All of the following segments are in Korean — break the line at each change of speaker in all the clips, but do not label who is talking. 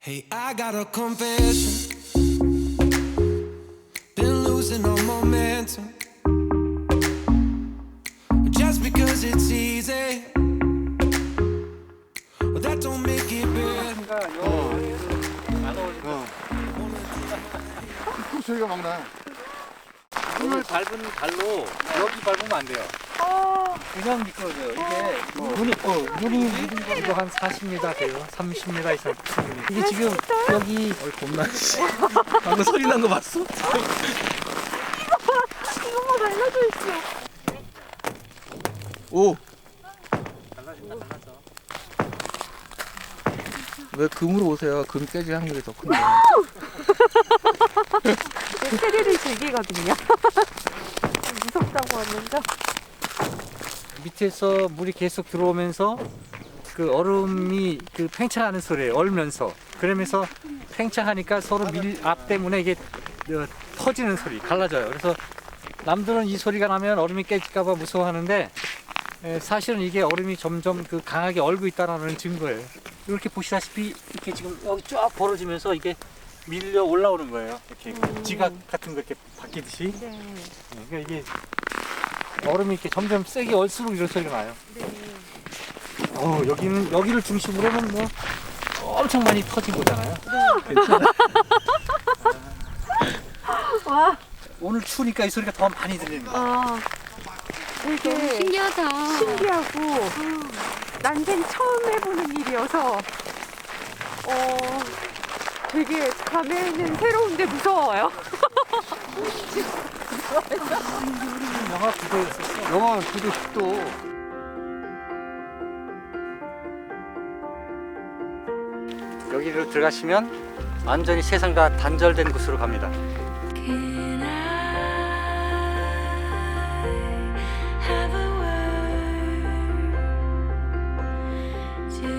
Hey, I got a confession. Been losing all momentum. Just because it's easy, well, that don't make it better.
소리가 막 나.
물을 밟은 발로 여기 밟으면 안 돼요. 그냥 미끄러져요. 이게 물이 이거 한 40m 돼요. 30m 이상. 이게 지금 여기 겁나. 방금 소리 난 거 봤어?
이거만 달라져 있어.
오.
달라져. 왜 금으로 오세요? 금 깨질 확률이 더 큰데.
체리를 즐기거든요. 무섭다고 하면서.
밑에서 물이 계속 들어오면서 그 얼음이 그 팽창하는 소리예요. 얼면서. 그러면서 팽창하니까 서로 밀압 때문에 이게 터지는 소리, 갈라져요. 그래서 남들은 이 소리가 나면 얼음이 깨질까봐 무서워하는데 사실은 이게 얼음이 점점 그 강하게 얼고 있다는 증거예요. 이렇게 보시다시피 이렇게 지금 여기 쫙 벌어지면서 이게 밀려 올라오는 거예요. 이렇게 지각 같은 거 이렇게 바뀌듯이.
네.
그러니까 이게 얼음이 이렇게 점점 세게 얼수록 이런 소리가 나요.
네.
여기를 중심으로는 뭐 엄청 많이 터진 거잖아요. 괜찮아.
와.
오늘 추우니까 이 소리가 더 많이 들리는 거예요.
아. 이게
신기하다.
신기하고 난생 처음 해보는 일이어서 되게 감회는 새로운데 무서워요.
영하 9도였었어.
영하 9도 10도.
여기로 들어가시면 완전히 세상과 단절된 곳으로 갑니다.
Can I have a word to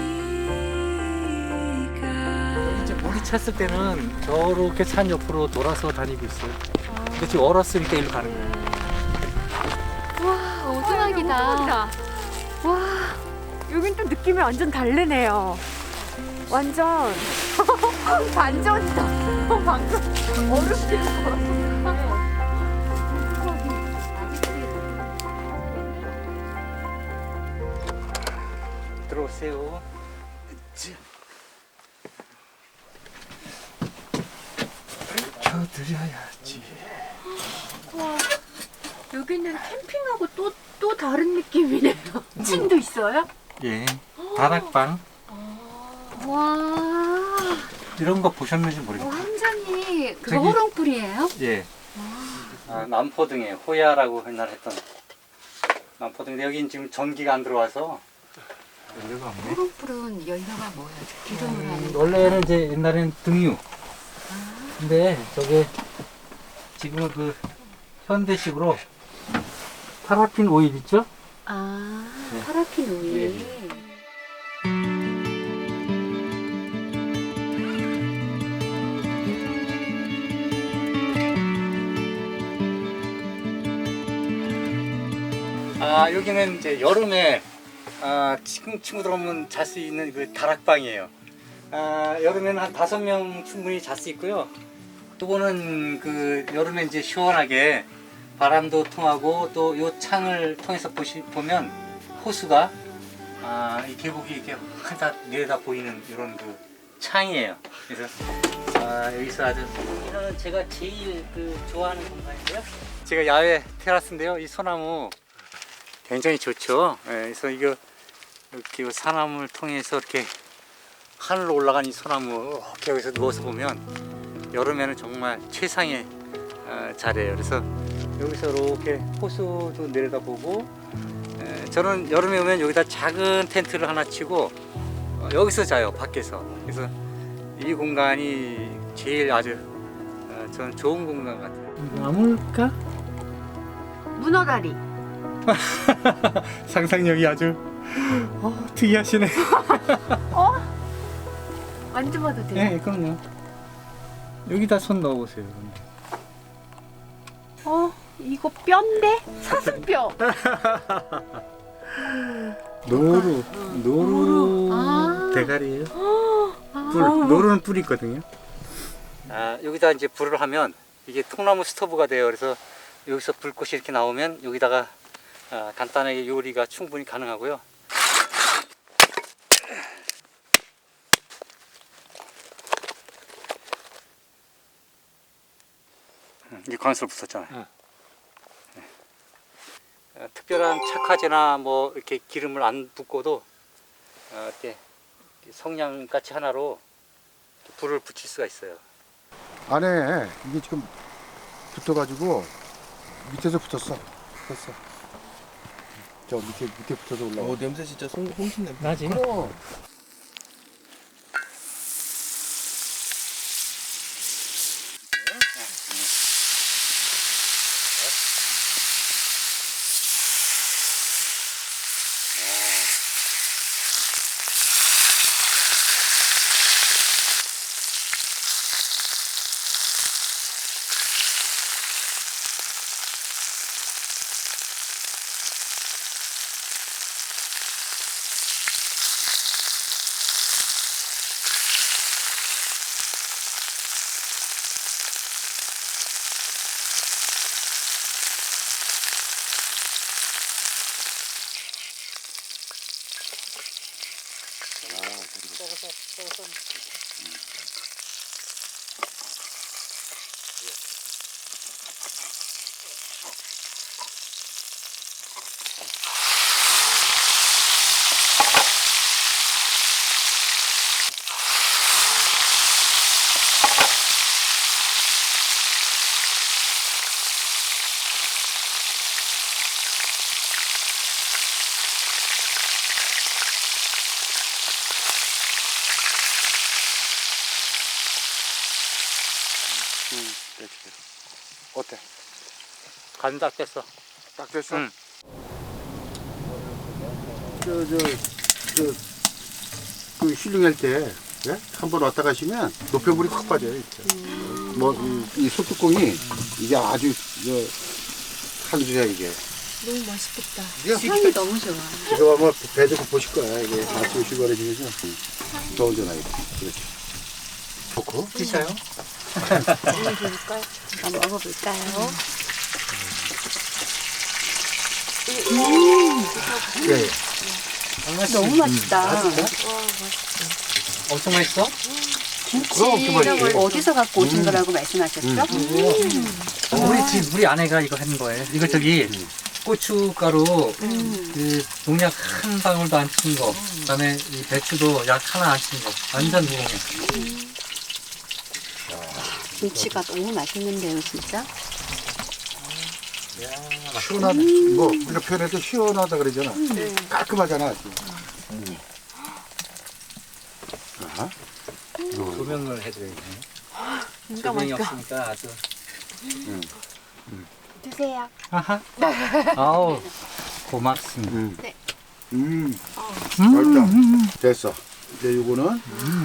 speak of?
이제 물이 찼을 때는 저렇게 산 옆으로 돌아서 다니고 있어요. 근데 지금 얼었으니까 일로 가는 거예요.
와, 오두막이다.
와, 여긴 또 느낌이 완전 다르네요. 완전 반전이다. 방금 얼음길
들어오세요. 켜드려야지.
와, 여기는 캠핑하고 또 다른 느낌이네요. 층도 있어요?
예. 다락방.
와,
이런 거 보셨는지 모르겠어요.
완전히 그거
저기-
호롱불이에요?
예. 남포등에 호야라고 옛날에 했던 남포등인데 여긴 지금 전기가 안 들어와서 연료가 없네.
호롱불은 연료가 뭐예요? 기름을 하는 거?
원래는 이제 옛날에는 등유. 근데 저게 지금은 그 현대식으로 파라핀 오일 있죠?
아,
네.
파라핀 오일.
여기는 이제 여름에 친구들 오면 잘 수 있는 그 다락방이에요. 여름에는 한 5명 충분히 잘 수 있고요. 요거는 그 여름에 이제 시원하게 바람도 통하고 또 요 창을 통해서 보면 호수가 이 계곡이 이렇게 하다 내려다 보이는 이런 그 창이에요. 그래서 여기서 아주 이거는 제가 제일 그 좋아하는 공간인데요. 제가 야외 테라스인데요. 이 소나무 굉장히 좋죠. 예, 그래서 이거 이렇게 사나무를 통해서 이렇게 하늘로 올라간 이 소나무 이렇게 여기서 누워서 보면 여름에는 정말 최상의 자리예요. 그래서 여기서 이렇게 호수도 내려다보고 저는 여름에 오면 여기다 작은 텐트를 하나 치고 여기서 자요, 밖에서. 그래서 이 공간이 제일 아주 저는 좋은 공간 같아요. 나물까?
문어다리.
상상력이 아주 특이하시네.
만져봐도 돼요?
네, 그럼요. 여기다 손 넣어보세요.
이거 뼈인데? 사슴뼈.
노루
아.
대가리예요. 노르는 뿔이 있거든요. 여기다 이제 불을 하면 이게 통나무 스토브가 돼요. 그래서 여기서 불꽃이 이렇게 나오면 여기다가 간단하게 요리가 충분히 가능하고요. 이게 관수로 붙었잖아요. 특별한 착화제나 뭐 이렇게 기름을 안 붓고도 이렇게 성냥같이 하나로 불을 붙일 수가 있어요.
안에 이게 지금 붙어가지고 밑에서 붙었어. 됐어. 저 밑에 붙어서 올라와.
냄새 진짜 홍신 냄새.
나지?
어때?
간 딱 됐어.
딱 됐어?
응.
그 힐링할 때, 예? 한번 왔다 가시면 노폐물이 확 빠져요. 이렇게. 이 소뚜껑이 이게 아주, 한주야, 이게.
너무 맛있겠다.
이게
향이 너무 좋아.
지금 아마 배도 고프실 거야. 이게 아침 휴가를 지내서. 더운 전화 이거. 그렇지. 좋고.
드셔요?
먹어볼까요? 한번 먹어볼까요?
예.
너무 맛있다.
엄청 맛있어?
그럼 그 맛이지.
어디서 갖고 오신 거라고 말씀하셨죠?
우리 아내가 이거 한 거예요. 이거 저기 고춧가루 그 농약 한 방울도 안 친 거, 그다음에 이 배추도 약 하나 안 친 거, 완전 무공해.
김치가 너무 맛있는데요, 진짜?
시원하다. 우리가 표현해도 시원하다 그러잖아. 깔끔하잖아. 아,
조명을 해드려야지.
진짜
조명이
맛있다.
없으니까 아주.
드세요.
아하. 아우 고맙습니다.
네.
맛있다. 됐어. 이제 요거는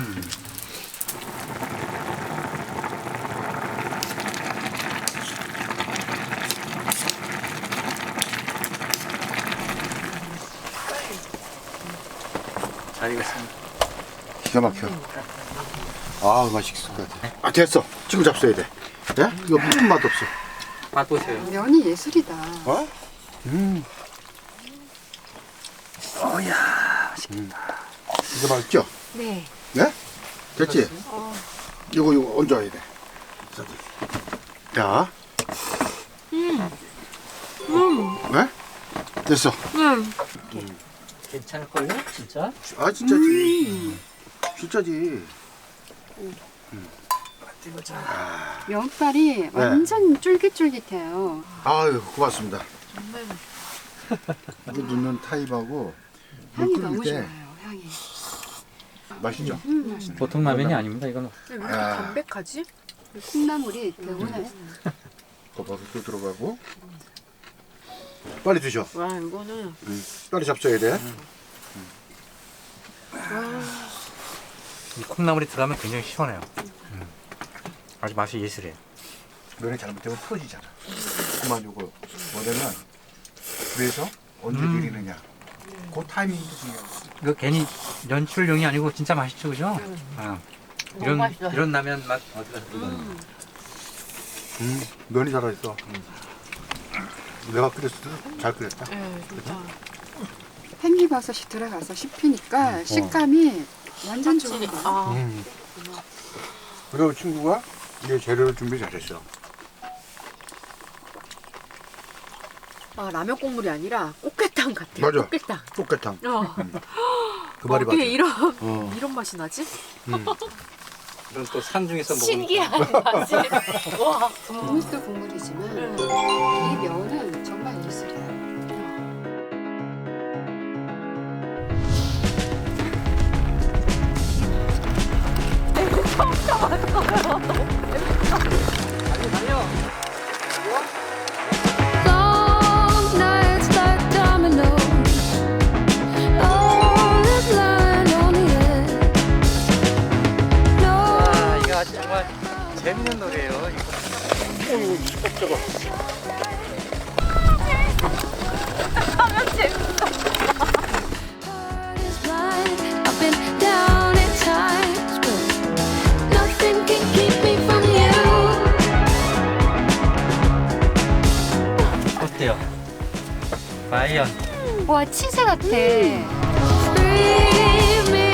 잘 익었습니다.
기가 막혀. 아, 맛있을 것 같아. 아, 됐어. 지금 잡숴야 돼. 예? 이거 무슨 맛 없어.
맛보세요.
면이 예술이다.
어?
어야 맛있겠다.
이거 맛있죠?
네.
예? 됐지? 이거 얹어야 돼. 자. 네? 됐어.
괜찮을걸요? 진짜?
아, 진짜지. 진짜지.
면발이 완전 쫄깃쫄깃해요.
아유, 고맙습니다. 이거 넣는 타입하고
향이
물
너무
끓일 때
좋아요. 향이.
맛있죠?
보통 라면이 아닙니다. 이건
담백하지?
콩나물이 개운해.
버섯도 들어가고. 빨리 드셔.
와, 이거는
빨리 잡숴야 돼.
이 콩나물이 들어가면 굉장히 시원해요. 아주 맛이 예술이에요.
면이 잘못되면 풀어지잖아. 그만 요거 뭐냐면 그래서 언제 드리느냐. 그 타이밍도 중요해.
이거 괜히 연출용이 아니고 진짜 맛있죠, 그죠? 이런 라면 맛 어디 가서
면이 살아있어. 내가 끓였을 때도 잘 끓였다.
네, 진짜.
팽이버섯이 들어가서 씹히니까 식감이 완전 좋은 거예요.
아,
그리고 친구가 이제 재료를 준비 잘했어.
아, 라면 국물이 아니라 꽃게탕 같아요.
맞아.
꽃게탕.
꽃게탕.
어.
그 말이 맞아.
어떻게 이런
어.
이런 맛이 나지?
이런 또 산 중에서 먹으니까
신기한 맛이. 와.
국물도 국물이지만 이 면은 정말 예술이에요.
Long nights like dominoes, all is lying on the edge. No.
아, 이거 아주 정말 재밌는 노래예요. 이거.
Heart is blind. I've been down at times, but nothing can keep me from you.
어때요? 과연
와 치즈 같아.
Free me